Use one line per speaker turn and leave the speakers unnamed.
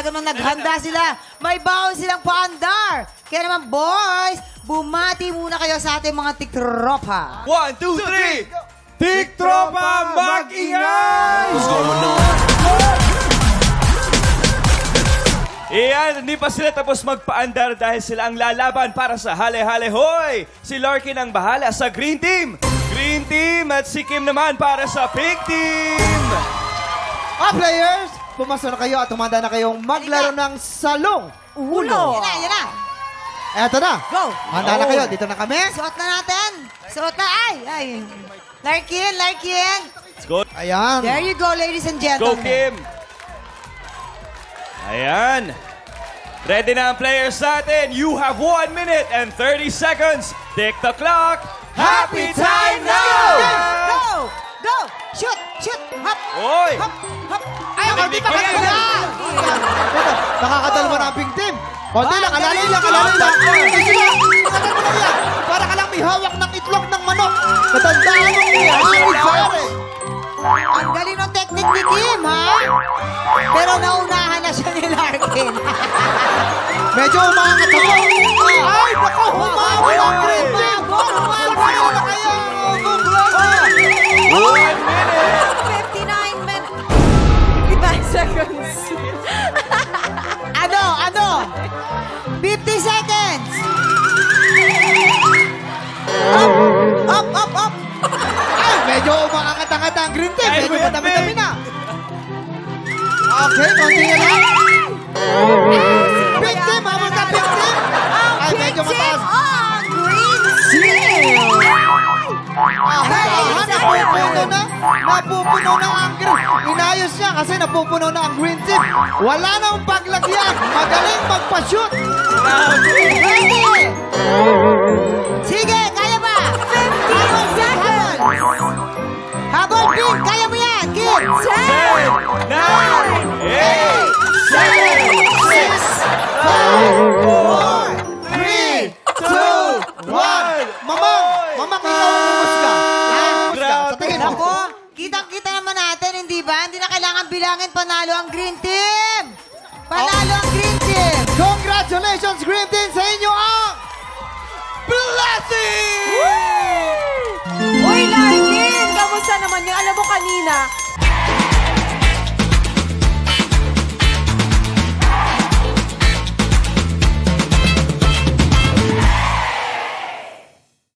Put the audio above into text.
naman naghanda sila. May baon silang paandar. Kaya naman, boys, bumati muna kayo sa ating mga tiktropa.
1, 2, 3!
Tiktropa, mag-ingay!
Iyan, hindi pa sila tapos magpaandar dahil sila ang lalaban para sa Hale-Hale Hoy! Si Larkin ang bahala sa Green Team! Green Team at si Kim naman para sa Pink Team!
Players, pumasok na kayo at humanda na kayong maglaro ng salong uno.
Yan na.
Eto na.
Go.
Handa na kayo. Dito na kami.
Suot na natin. Suot na. Ay. Larkin.
Let's go!
Ayan.
There you go, ladies and
Go,
gentlemen.
Kim! Ayan. Ready na ang players natin. You have 1 minute and 30 seconds. Tick the clock. Happy time now!
Go. Shoot. Hop.
Oy!
Hop.
Ay, konti pa kayo lang. Nakakadalawa na ang pink team. Konti lang, alalay lang. Para ka lang may hawak ng itlog ng manok. Natandaan mo niya. Pare.
Ang galing ng technique ni Kim, ha? Pero naunahan na siya ni Larkin.
Medyo umangat ako. Ay, nako, humabol ang green team. Humabol na kayo.
1 minute!
59 minutes. 59 seconds.
Ano? 50 seconds. Up.
Ay, medyo umangat-angat ang green team. Medyo madami-dami na. Okay, konti na lang. Pink team, habang ka pink team. Ay, medyo mataas.
on green team.
Napupuno na ang green. Inayos niya kasi napupuno na ang green team. Wala nang paglagyan. Magaling magpa-shoot.
Ready? Sige, kaya ba?
15 seconds.
Habol, Kim, kaya mo yan, Kim.
10, 9, 8,
3, 2, 1. Mamang, ikaw ang umusga. Sa tingin mo.
Nako, kitang-kita naman natin, hindi ba? Hindi na kailangan bilangin, panalo ang Green Team. Panalo ang Green Team.
Congratulations, Green Team, sa inyo ang blessing!
Uy, Larkin! Kamusta naman yun? Alam mo kanina,